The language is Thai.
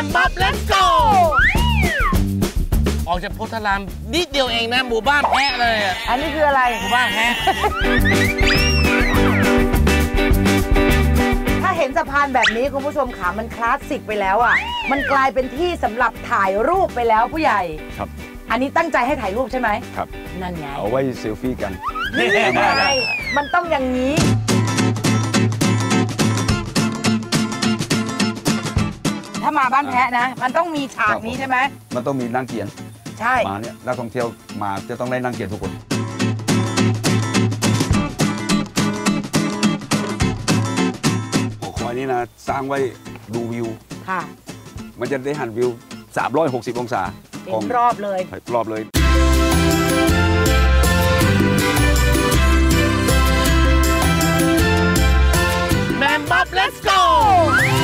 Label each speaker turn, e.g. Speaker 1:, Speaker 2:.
Speaker 1: มบ๊อบเลทโกออกจากโพธารามนิดเดียวเองนะหมู่บ้านแพะเลย
Speaker 2: อันนี้คืออะไร
Speaker 1: หมู่บ้านแพะ
Speaker 2: ถ้าเห็นสะพานแบบนี้คุณผู้ชมขามันคลาสสิกไปแล้วอ่ะมันกลายเป็นที่สำหรับถ่ายรูปไปแล้วผู้ใหญ่
Speaker 3: ครับ
Speaker 2: อันนี้ตั้งใจให้ถ่ายรูปใช่ไหม
Speaker 3: ครับ
Speaker 2: นั่นไง
Speaker 3: เอาไว้เซลฟี่กัน
Speaker 2: นี่ไงมันต้องอย่างนี้ถ้ามาบ้านแพะนะมันต้องมีฉากนี้ใช่ไหม
Speaker 3: มันต้องมีนั่งเกียน
Speaker 2: ใช่
Speaker 3: มาเนี่ยนักท่องเที่ยวมาจะต้องได้นั่งเกียนทุกคนหอคอยนี้นะสร้างไว้ดูวิว
Speaker 2: ค่ะ
Speaker 3: มันจะได้หันวิว360องศา
Speaker 2: ของรอบเลย
Speaker 3: รอบเลย
Speaker 1: แมมบ๊อบเลทโก